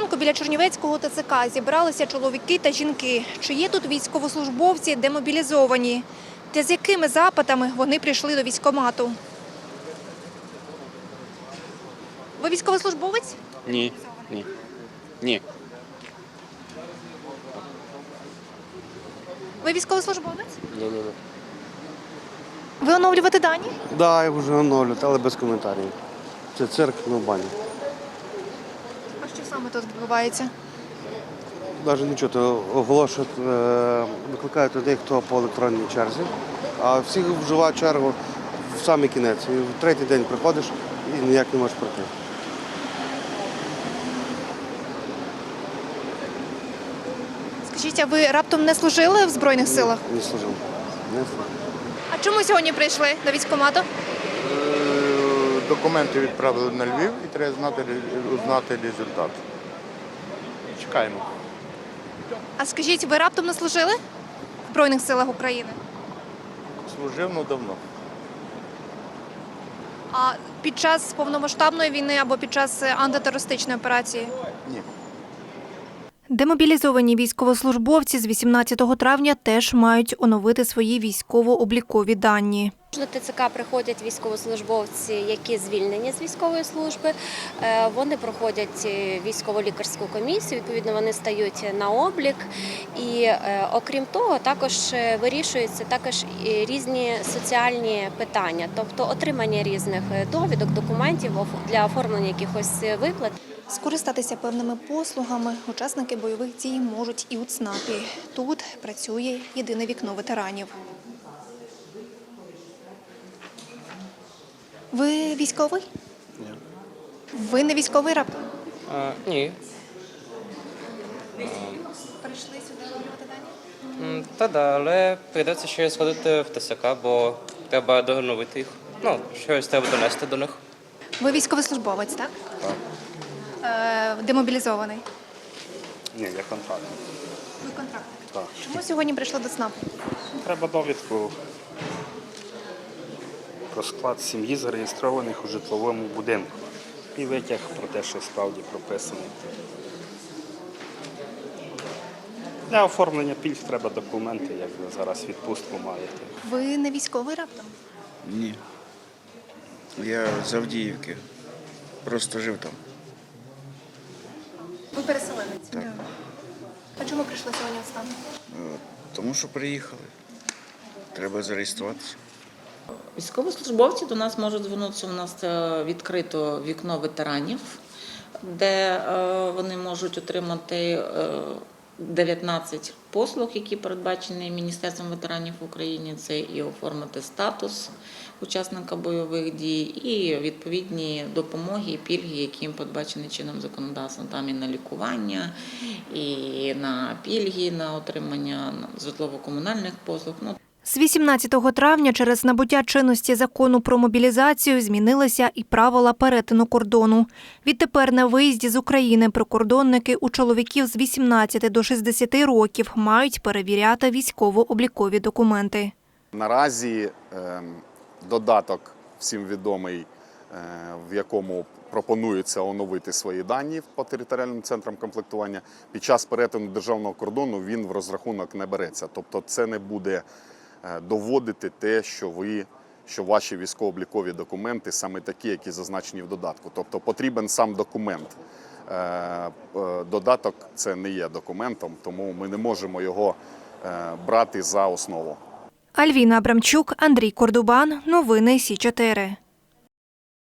ранку біля Чернівецького ТЦК зібралися чоловіки та жінки. Чи є тут військовослужбовці демобілізовані? Та з якими запитами вони прийшли до військкомату? Ви військовослужбовець? Ні, ні, ні. Ви військовослужбовець? Ні. Ви оновлювати дані? Так, я вже оновлю, але без коментарів. Це цирк, баня. А що саме тут відбувається? Навіть нічого, то оголошують, викликають людей, хто по електронній черзі, а всі вживають чергу в самий кінець. І в третій день приходиш і ніяк не можеш пройти. Скажіть, а ви раптом не служили в Збройних силах? Не служив. Не служив. А чому сьогодні прийшли до військкомату? Документи відправили на Львів і треба узнати результат. Чекаємо. А скажіть, ви раптом не служили в Збройних силах України? Служив, давно. А під час повномасштабної війни або під час антитерористичної операції? Ні. Демобілізовані військовослужбовці з 18 травня теж мають оновити свої військово-облікові дані. До ТЦК приходять військовослужбовці, які звільнені з військової служби. Вони проходять військово-лікарську комісію, відповідно, вони стають на облік. І окрім того, також вирішуються різні соціальні питання, тобто отримання різних довідок, документів для оформлення якихось виплат. Скористатися певними послугами учасники бойових дій можуть і у ЦНАПі. Тут працює єдине вікно ветеранів. Ви військовий? Ні. Ви не військовий раптом? Ні. Прийшли сюди оновлювати дані? Та, але прийдеться ще сходити в ТСК, бо треба доновити їх. Щось треба донести до них. Ви військовослужбовець, так? Так. Демобілізований. Ні, я контракт. Ви контрактник. Так. Чому сьогодні прийшли до ЦНАПу? Треба довідку про склад сім'ї, зареєстрованих у житловому будинку. І витяг про те, що справді прописано. Для оформлення пільг треба документи, як ви зараз відпустку маєте. Ви не військовий раптом? Ні. Я з Авдіївки. Просто жив там. Ви переселенець? Так. А чому прийшли сьогодні в ЦНАП? Тому що приїхали. Треба зареєструватися. Військовослужбовці до нас можуть звернутися. У нас відкрито вікно ветеранів, де вони можуть отримати 19 послуг, які передбачені Міністерством ветеранів України. Це і оформити статус учасника бойових дій, і відповідні допомоги, і пільги, які їм передбачені чином законодавством. Там і на лікування, і на пільги, на отримання житлово-комунальних послуг. З 18 травня через набуття чинності закону про мобілізацію змінилися і правила перетину кордону. Відтепер на виїзді з України прикордонники у чоловіків з 18 до 60 років мають перевіряти військово-облікові документи. Наразі додаток всім відомий, в якому пропонується оновити свої дані по територіальним центрам комплектування. Під час перетину державного кордону він в розрахунок не береться. Тобто це не буде доводити те, що ваші військово-облікові документи саме такі, які зазначені в додатку. Тобто потрібен сам документ. Додаток – це не є документом, тому ми не можемо його брати за основу. Альвіна Абрамчук, Андрій Кордубан. Новини Сі 4.